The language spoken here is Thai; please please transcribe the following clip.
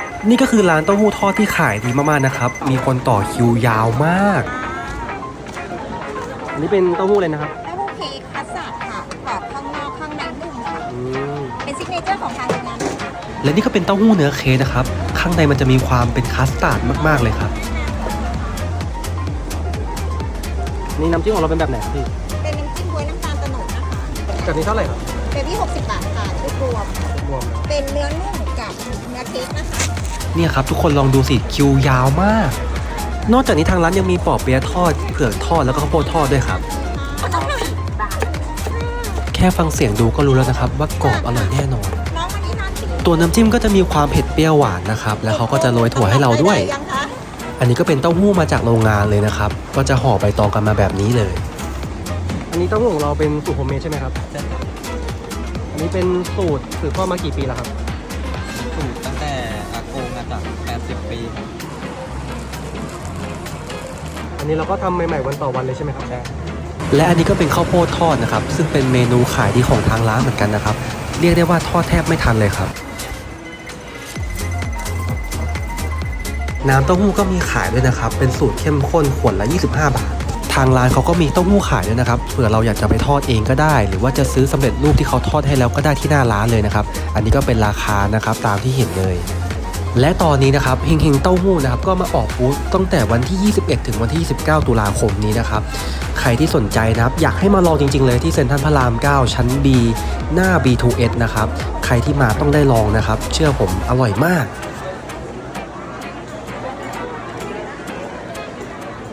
นี่ก็คือร้านเต้าหู้ทอดที่ขายดีมากๆนะครับมีคนต่อคิวยาวมากอันนี้เป็นเต้าหู้เลยนะครับเต้าหู้เค้กคัสตาร์ดค่ะกรอบข้างนอกข้างในนุ่มค่ะมเป็นซิกเนเจอร์ของทางร้านและนี่ก็เป็นเต้าหู้เนื้อเค้กนะครับข้างในมันจะมีความเป็นคัสตาร์ดมากๆเลยครับนี่น้ำจิ้มของเราเป็นแบบไหนครับพี่เป็นน้ำจิ้มบ๊วยน้ำตาลโตโนดนะคะแบบนี้เท่าไหร่ครับเบบี้60 บาทค่ะชุดรวมรวมเป็นเนื้อนุ่มกับเนื้อเค้กนะคะเนี่ยครับทุกคนลองดูสิคิวยาวมากนอกจากนี้ทางร้านยังมีปอเปี๊ยะทอดเผือกทอดแล้วก็ข้าวโพดทอดด้วยครับแค่ฟังเสียงดูก็รู้แล้วนะครับว่ากรอบอร่อยแน่นอนน้องวันนี้ทานสีตัวน้ำจิ้มก็จะมีความเผ็ดเปรี้ยวหวานนะครับแล้วเขาก็จะโรยถั่วให้เราด้วยอันนี้ก็เป็นเต้าหู้มาจากโรงงานเลยนะครับก็จะห่อใบตองกันมาแบบนี้เลยอันนี้เต้าหู้ของเราเป็นสูตรโฮมเมดใช่ไหมครับใช่ครับอันนี้เป็นสูตรสืบทอดมากี่ปีแล้วครับสูตรตั้งแต่อากงมาจาก80 ปีครับอันนี้เราก็ทำใหม่ๆวันต่อวันเลยใช่ไหมครับใช่และอันนี้ก็เป็นข้าวโพดทอดนะครับซึ่งเป็นเมนูขายดีของทางร้านเหมือนกันนะครับเรียกได้ว่าทอดแทบไม่ทันเลยครับน้ำเต้าหู้ก็มีขายด้วยนะครับเป็นสูตรเข้มข้นขวดละ25 บาททางร้านเขาก็มีเต้าหู้ขายด้วยนะครับเผื่อเราอยากจะไปทอดเองก็ได้หรือว่าจะซื้อสำเร็จรูปที่เขาทอดให้แล้วก็ได้ที่หน้าร้านเลยนะครับอันนี้ก็เป็นราคานะครับตามที่เห็นเลยและตอนนี้นะครับเฮงเฮงเต้าหู้นะครับก็มาออกบูธตั้งแต่วันที่21ถึงวันที่29ตุลาคมนี้นะครับใครที่สนใจนะครับอยากให้มาลองจริงๆเลยที่เซ็นทรัลพระราม9ชั้น B หน้า B2S นะครับใครที่มาต้องได้ลองนะครับเชื่อผมอร่อยมาก